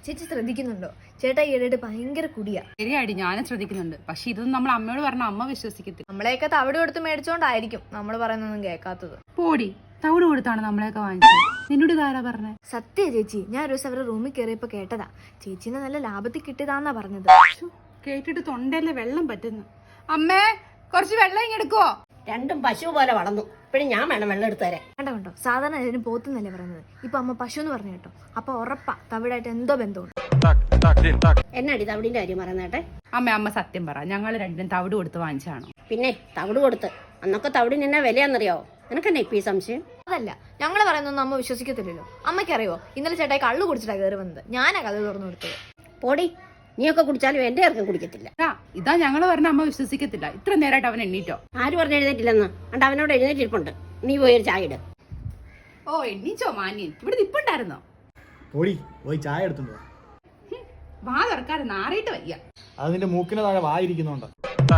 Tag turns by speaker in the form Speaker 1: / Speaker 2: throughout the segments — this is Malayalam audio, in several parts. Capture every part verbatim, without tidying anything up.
Speaker 1: ചേച്ചി ശ്രദ്ധിക്കുന്നുണ്ടോ? ചേട്ടാ ഈയിടെ ഭയങ്കര കുടിയാ.
Speaker 2: ശരിയാടി, ഞാനും ശ്രദ്ധിക്കുന്നുണ്ട്. പക്ഷെ ഇതൊന്നും നമ്മൾ അമ്മയോട് പറഞ്ഞ അമ്മ വിശ്വസിക്കത്തില്ല.
Speaker 1: നമ്മളെയൊക്കെ തവിട് കൊടുത്ത് മേടിച്ചോണ്ടായിരിക്കും നമ്മൾ പറയുന്നൊന്നും കേൾക്കാത്തത്.
Speaker 2: പോടി, തവിട് കൊടുത്താണ് നമ്മളെയൊക്കെ വാങ്ങിച്ചത്. നിന്നോട് ഇതാരാ പറഞ്ഞേ?
Speaker 1: സത്യ ചേച്ചി, ഞാൻ ഒരു ദിവസം അവരുടെ റൂമിൽ കയറിയപ്പോ കേട്ടതാ. ചേച്ചീനെ നല്ല ലാഭത്തിൽ കിട്ടിയതാന്നാ പറഞ്ഞത്.
Speaker 2: കേട്ടിട്ട് തൊണ്ടയിലെ വെള്ളം പറ്റുന്നു. അമ്മേ, കുറച്ച് വെള്ളം ഇങ്ങെടുക്കുവോ?
Speaker 3: രണ്ടും പശു പോലെ വളർന്നു. ഇപ്പഴും ഞാൻ വേണം വെള്ളം എടുത്തു തരാൻ.
Speaker 1: കണ്ടോ കണ്ടോ, സാധാരണ അതിന് പോത്തുന്നല്ലേ പറയുന്നത്. ഇപ്പൊ അമ്മ പശു എന്ന് പറഞ്ഞു കേട്ടോ. അപ്പൊ ഉറപ്പാ തവിടായിട്ട് എന്തോ ബന്ധമുണ്ട്.
Speaker 3: എന്നാടി തവിടിന്റെ കാര്യം പറയുന്നേട്ടെ?
Speaker 2: അമ്മ അമ്മ സത്യം പറ, ഞങ്ങൾ രണ്ടും തവിട് കൊടുത്ത് വാങ്ങിച്ചാണോ?
Speaker 3: പിന്നെ തവിട് കൊടുത്ത്. അന്നൊക്കെ തവിടിന് എന്നാ വിലയാന്നറിയാവോ? നിനക്കെന്നെ ഇപ്പൊ ഈ സംശയം?
Speaker 1: അതല്ല, ഞങ്ങള് പറയുന്നൊന്നും അമ്മ വിശ്വസിക്കത്തില്ലല്ലോ. അമ്മയ്ക്കറിയോ, ഇന്നലെ ചേട്ടായി കള്ളു കുടിച്ചിട്ടാ കയറി വന്നത്. ഞാനാ കഥ തുറന്നു കൊടുത്തത്.
Speaker 3: പോടി, നീയൊക്കെ കുടിച്ചാലും എന്റെ ആർക്കും കുടിക്കത്തില്ല.
Speaker 2: ഇതാ ഞങ്ങള് പറഞ്ഞ അമ്മ വിശ്വസിക്കത്തില്ല. ഇത്ര നേരമായിട്ട് അവൻ എണ്ണീറ്റോ?
Speaker 3: ആര് പറഞ്ഞ് എഴുന്നേറ്റില്ലെന്ന്? അണ്ട് അവനോട് എഴുന്നേറ്റിരിപ്പുണ്ട്. നീ പോയി ഒരു ചായ ഇട്.
Speaker 2: ഓ, എണ്ണീച്ചോ മാന്യൻ? ഇവിടെ നിപ്പുണ്ടായിരുന്നോ?
Speaker 4: പോടി, പോയി ചായ എടുത്തുണ്ടോ.
Speaker 2: വാ തുറക്കാതെ നാറിയിട്ട് വയ്യ.
Speaker 4: അതിന്റെ മൂക്കിന് താഴെ വായിരിക്കുന്നുണ്ട്.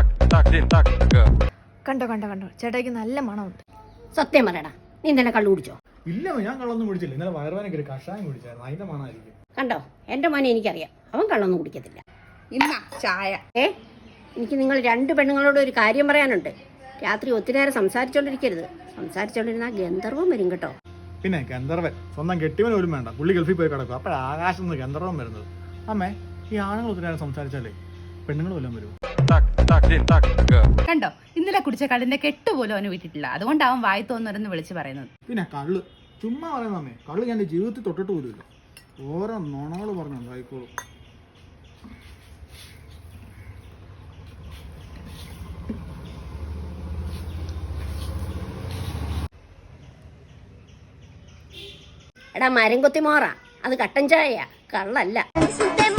Speaker 1: കണ്ടോ കണ്ടോ കണ്ടോ, ചേട്ടായിക്ക് നല്ല മണമുണ്ട്.
Speaker 3: സത്യം പറയടാ, നീ ഇന്നലെ കള്ളു കുടിച്ചോ?
Speaker 4: ഇല്ല, ഞാൻ കള്ളൊന്നും കുടിച്ചില്ല. ഇന്നലെ വയറുവേനൊക്കെ ഒരു കഷായം കുടിച്ചായിരുന്നു. അതിന്റെ മണമായിരിക്കും.
Speaker 3: കണ്ടോ, എന്റെ മോനെ എനിക്കറിയാം, അവൻ കള്ളൊന്നും കുടിക്കത്തില്ല.
Speaker 2: ഇന്നാ ചായ.
Speaker 3: ഏ, എനിക്ക് നിങ്ങൾ രണ്ട് പെണ്ണുങ്ങളോട് ഒരു കാര്യം പറയാനുണ്ട്. രാത്രി ഒത്തിരി നേരം സംസാരിച്ചോണ്ടിരിക്കരുത്. സംസാരിച്ചോണ്ടിരുന്ന ഗന്ധർവം വരും കേട്ടോ.
Speaker 4: പിന്നെ ഗന്ധർവൻ സ്വന്തം കെട്ടിയവൻ പോലും വേണ്ട, പുള്ളി ഗൾഫിൽ പോയി കിടക്കും. അപ്പോഴാണ് ആകാശത്ത് നിന്ന് ഗന്ധർവം വരുന്നത്. അമ്മേ, ഈ ആണുങ്ങൾ ഒത്തിരി നേരം സംസാരിച്ചാലേ പെണ്ണുങ്ങൾ വല്ലതും വരും.
Speaker 2: കണ്ടോ, ഇന്നലെ കുടിച്ച കള്ളിന്റെ കെട്ടുപോലും അവന് വിട്ടിട്ടില്ല. അതുകൊണ്ട് അവൻ വായി തോന്നുന്നവരെന്ന് വിളിച്ച് പറയുന്നത്.
Speaker 4: പിന്നെ കള്ള് ചുമ്മാ പറയുന്ന അമ്മേ, കള്ള് ഞാൻ എൻ്റെ ജീവിതത്തിൽ തൊട്ടിട്ട് പോലുമില്ല. ഓരോ നുണകൾ പറഞ്ഞുണ്ടായിക്കോളും.
Speaker 3: എടാ മരം കൊത്തി മോറ, അത് കട്ടൻ ചായയാ, കള്ളല്ല.